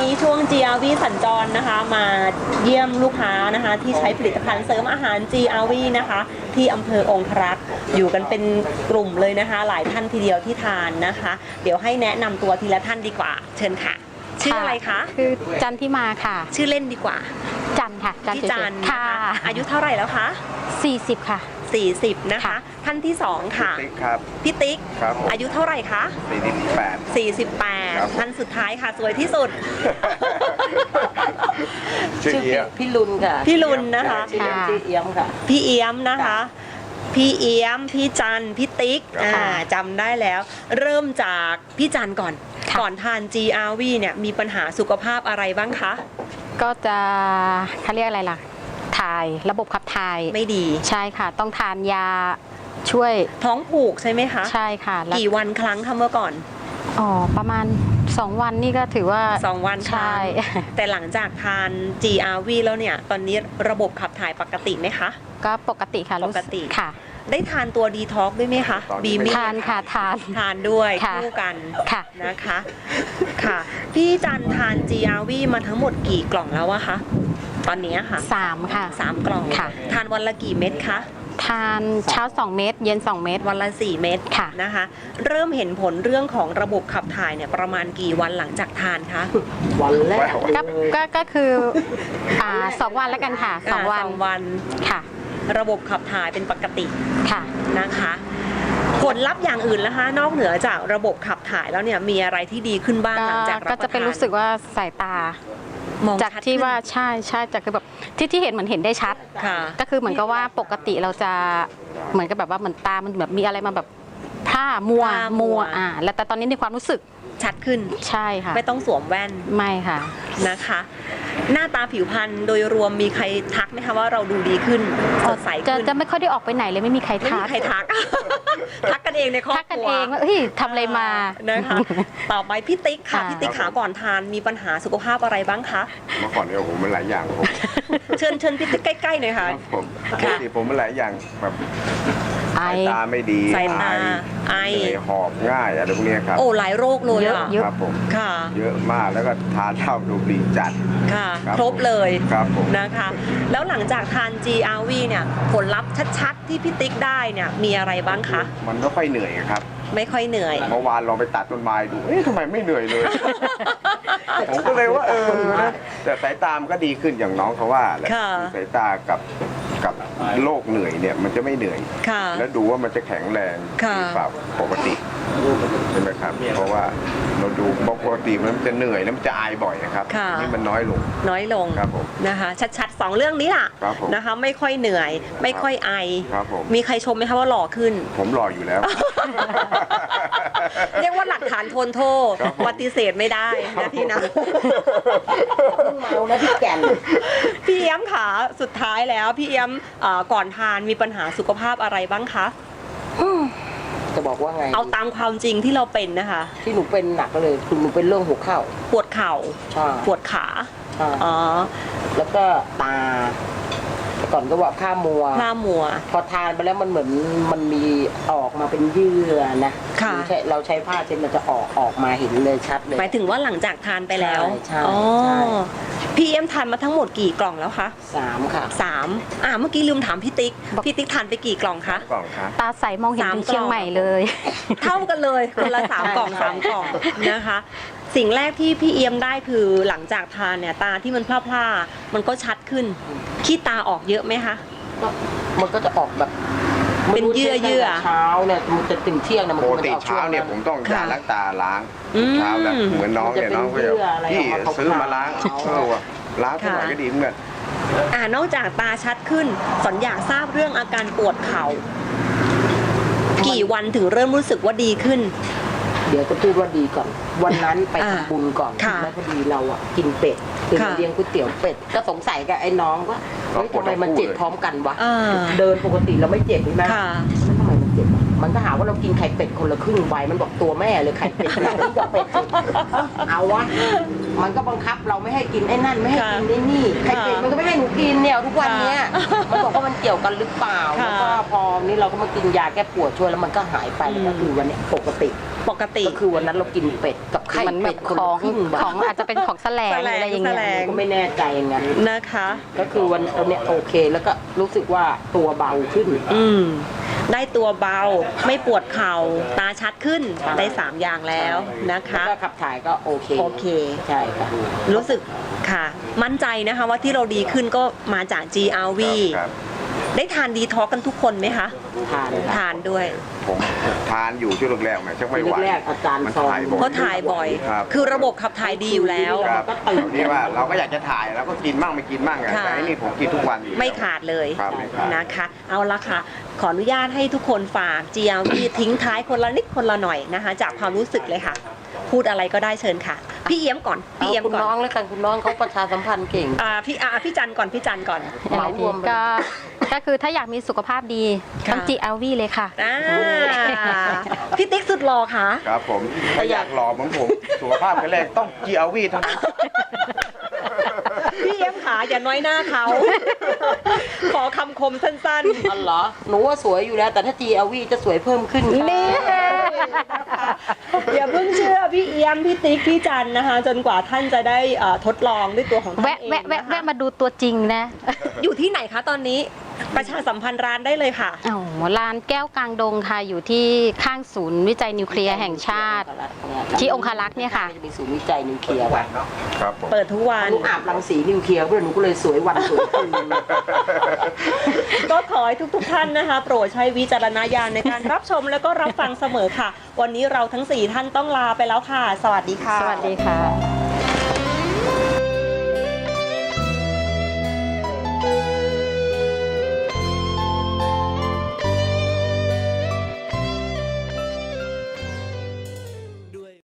นี้ช่วง GRV สัญจรนะคะมาเยี่ยมลูกค้านะคะที่ใช้ผลิตภัณฑ์เสริมอาหาร GRV นะคะที่อำเภอองครักษ์อยู่กันเป็นกลุ่มเลยนะคะหลายท่านทีเดียวที่ทานนะคะ เดี๋ยวให้แนะนำตัวทีละท่านดีกว่าเชิญค่ะชื่ออะไรคะคือจันทิมาค่ะชื่อเล่นดีกว่าจันค่ะพี่จันค่ะอายุเท่าไหร่แล้วคะ 40ค่ะ 40นะคะท่านที่2ค่ะติ๊กครับพี่ติ๊กอายุเท่าไหร่คะ48ท่านสุดท้ายค่ะสวยที่สุดชื่อพี่ลุนค่ะพี่ลุนนะคะชื่อเอี้ยมค่ะพี่เอี้ยมนะคะพี่เอี้ยมพี่จันพี่ติ๊กจำได้แล้วเริ่มจากพี่จันก่อนทาน GRV เนี่ยมีปัญหาสุขภาพอะไรบ้างคะก็จะเขาเรียกอะไรล่ะถ่ายระบบขับถ่ายไม่ดีใช่ค่ะต้องทานยาช่วยท้องผูกใช่ไหมคะใช่ค่ะกี่วันครั้งคะเมื่อก่อนประมาณ2วันนี่ก็ถือว่า 2วันใช่แต่หลังจากทาน GRV แล้วเนี่ยตอนนี้ระบบขับถ่ายปกติไหมคะก็ปกติค่ะปกติค่ะได้ทานตัวดีท็อกด้วยไหมคะบีมิทานค่ะทานด้วยคู่กันนะคะค่ะพี่จันทาน GRV มาทั้งหมดกี่กล่องแล้วอะคะตอนนี้ค่ะ 3ค่ะ 3กล่องค่ะทานวันละกี่เม็ดคะทานเช้า2เม็ดเย็น2เม็ดวันละ4เม็ดค่ะนะคะเริ่มเห็นผลเรื่องของระบบขับถ่ายเนี่ยประมาณกี่วันหลังจากทานคะวันแรกก็คือ2วันแล้วกันค่ะ2วันค่ะระบบขับถ่ายเป็นปกติค่ะนะคะผลลัพธ์อย่างอื่นนะคะนอกเหนือจากระบบขับถ่ายแล้วเนี่ยมีอะไรที่ดีขึ้นบ้างหลังจากรับประทานก็จะเป็นรู้สึกว่าสายตามองจากที่ว่าใช่จากคือแบบที่เห็นเหมือนเห็นได้ชัดก็คือเหมือนกับว่าปกติเราจะเหมือนกับแบบว่าเหมือนตามันแบบมีอะไรมาแบบผ้ามัวแล้วแต่ตอนนี้ในความรู้สึกชัดขึ้นใช่ค่ะไม่ต้องสวมแว่นไม่ค่ะนะคะหน้าตาผิวพรรณโดยรวมมีใครทักไหมคะว่าเราดูดีขึ้นสดใสขึ้นจะไม่ค่อยได้ออกไปไหนเลยไม่มีใครทักทักกันเองในครอบครัวทักกันเองว่าเฮ้ยทำอะไรมานะคะต่อไปพี่ติ๊กค่ะพี่ติ๊กขาก่อนทานมีปัญหาสุขภาพอะไรบ้างคะเมื่อก่อนเนี่ยผมมันหลายอย่างเชิญพี่ติ๊กใกล้ๆหน่อยค่ะผมมันหลายอย่างแบบสายตาไม่ดีสายตาไอหอบง่ายอะไรพวกนี้ครับโอ้หลายโรคเลยครับผมค่ะเยอะมากแล้วก็ทานเหล้าดูบุหรี่จัดค่ะครบเลยครับผมนะคะแล้วหลังจากทาน GRV เนี่ยผลลัพธ์ชัดๆที่พี่ติ๊กได้เนี่ยมีอะไรบ้างคะมันไม่ค่อยเหนื่อยครับไม่ค่อยเหนื่อยเมื่อวานลองไปตัดต้นไม้ดูทำไมไม่เหนื่อยเลยผมก็เลยว่าแต่สายตามก็ดีขึ้นอย่างน้องเขาว่าแหละสายตากับโรคเหนื่อยเนี่ยมันจะไม่เหนื่อยแล้วดูว่ามันจะแข็งแรงหรือเปล่าปกติใช่ไหมครับเพราะว่าเราดูปกติมันจะเหนื่อยแล้วมันจะอายบ่อยนะครับนี่มันน้อยลงครับผมนะคะชัดๆ2เรื่องนี้ล่ะนะคะไม่ค่อยเหนื่อยไม่ค่อยไอมีใครชมไหมคะว่าหล่อขึ้นผมหล่ออยู่แล้วเรียกว่าหลักฐานทนโทษปฏิเสธไม่ได้นะพี่นะเมาแล้วพี่แก่นพี่เอี้ยมค่ะสุดท้ายแล้วพี่เอี้ยมก่อนทานมีปัญหาสุขภาพอะไรบ้างคะจะบอกว่าไงเอาตามความจริงที่เราเป็นนะคะที่หนูเป็นหนักเลยคือหนูเป็นเรื่องหัวเข่าปวดเข่าปวดขาแล้วก็ตาก่อนก็ว่าผ้ามัวพอทานไปแล้วมันเหมือนมันมีออกมาเป็นเยื่อนะเราใช้ผ้าเช็ดมันจะออกมาเห็นเลยชัดเลยหมายถึงว่าหลังจากทานไปแล้วพี่เอ็มทานมาทั้งหมดกี่กล่องแล้วคะ 3ค่ะ 3เมื่อกี้ลืมถามพี่ติ๊กทานไปกี่กล่องคะกล่องครับตาใสมองเห็นถึงเชียงใหม่เลยเท่ากันเลยคนละ3กล่องนะคะสิ่งแรกที่พี่เอี้ยมได้คือหลังจากทานเนี่ยตาที่มันพร่าๆมันก็ชัดขึ้นขี้ตาออกเยอะไหมคะมันก็จะออกแบบเป็นเยื่อเช้าเนี่ยมันจะถึงเที่ยงนะมันปกติเช้าเนี่ยผมต้องยาล้างตาล้างเช้าแล้วเหมือนน้องเนี่ยน้องก็จะพี่ซื้อมาล้างล้างเท่าไหร่ก็ดีเหมือนกันนอกจากตาชัดขึ้นสอนอยากทราบเรื่องอาการปวดเข่ากี่วันถึงเริ่มรู้สึกว่าดีขึ้นเดี๋ยวจะพูดว่าดีก่อนวันนั้นไปทำบุญก่อนแล้วพอดีเรากินเป็ดคือเลี้ยงก๋วยเตี๋ยวเป็ดก็สงสัยกับไอ้น้องว่าเฮ้ยทำไมมันเจ็บพร้อมกันวะเดินปกติเราไม่เจ็บใช่ไหมทำไมมันเจ็บมันก็หาว่าเรากินไข่เป็ดคนละครึ่งใบมันบอกตัวแม่เลยไข่เป็ดกับเป็ดเอาวะมันก็บังคับเราไม่ให้กินไอ้นั่นไม่ให้กินไอ้นี่ไข่เป็ดมันก็ไม่ให้หนูกินเนี่ยทุกวันเนี้ยมันบอกว่ามันเกี่ยวกันหรือเปล่าแล้วก็พอนี้เราก็มากินยาแก้ปวดช่วยแล้วมันก็หายไปแล้วก็คือวันนี้ปกติปกติก็คือวันนั้นเรากินเป็ดกับไข่มันแบเป็บดคนขละองครึ่งของอาจจะเป็นของแสลงอะไรอย่างแสเงี้ลยงก็ไม่แน่ใจอย่างนั้นนะคะก็คือวันเนี้ยโอเคแล้วก็รู้สึกว่าตัวเบาขึ้นได้ตัวเบาไม่ปวดเข่าตาชัดขึ้นได้ 3 อย่างแล้วนะคะแล้วก็ขับถ่ายก็โอเคโอเคใช่ค่ะรู้สึกค่ะ มั่นใจนะคะว่าที่เราดีขึ้นก็มาจาก GRV ครับได้ทานดีท็อกกันทุกคนไหมคะทานทานด้วยผมทานอยู่ช่วงแรกๆแหมชักไม่ไหวแรกๆอาการมันซองถ่ายบ่อยเพราะถ่ายบ่อยครับคือระบบขับถ่ายดีอยู่แล้วครับนี่ว่าเราก็อยากจะถ่ายแล้วก็กินมั่งไม่กินมั่งอะค่ะแต่อันนี่ผมกินทุกวันอยู่แล้วไม่ขาดเลยครับไม่ขาดนะคะ เอาละค่ะ ขออนุญาตให้ทุกคนฝาก GRV ทิ้งท้ายคนละนิดคนละหน่อยนะคะ จากความรู้สึกเลยค่ะ พูดอะไรก็ได้เชิญค่ะ พี่เอี้ยมก่อน พี่เอาเอี้ยมคุณก่อนน้องแล้วกันคุณน้องเขาประชาสัมพันธ์เก่งพี่จันก่อนพี่จันก่อนเหมารวมไปก็คือถ้าอยากมีสุขภาพดีค่ะต้อง GRV เลยค่ะพี่ติ๊กสุดหล่อค่ะครับผมถ้าอยากหล่อเหมือนผมสุขภาพแข็งแรงต้อง GRV เท่านั้นพี่เอี้ยมขาอย่าน้อยหน้าเขา ขอคำคมสั้นอ๋อเหรอหนูว่าสวยอยู่แล้ว แต่ถ้า GLV จะสวยเพิ่มขึ้นค่ะนี่ อย่าเพิ่งเชื่อพี่เอี้ยมพี่ติ๊กพี่จันนะคะ จนกว่าท่านจะได้ทดลองด้วยตัวของท่านแวะเองแวะแวะนะคะแวะมาดูตัวจริงนะอยู่ที่ไหนคะตอนนี้ประชาสัมพันธ์ร้านได้เลยค่ะอ๋อร้านแก้วกลางดงค่ะ อยู่ที่ข้างศูนย์วิจัยนิวเคลียร์แห่งชาติ ที่องคารักษ์เนี่ยค่ะจะมีศูนย์วิจัยนิวเคลียร์ค่ะครับผมเปิดทุกวันหนูอาบรังสีนิวเคลียร์ด้วยหนูก็เลยสวยวันสวยคืนก็ขอให้ทุกท่านนะคะ โปรดใช้วิจารณญาณในการรับชมแล้วก็รับฟังเสมอค่ะ วันนี้เราทั้ง 4 ท่านต้องลาไปแล้วค่ะ สวัสดีค่ะสวัสดีค่ะ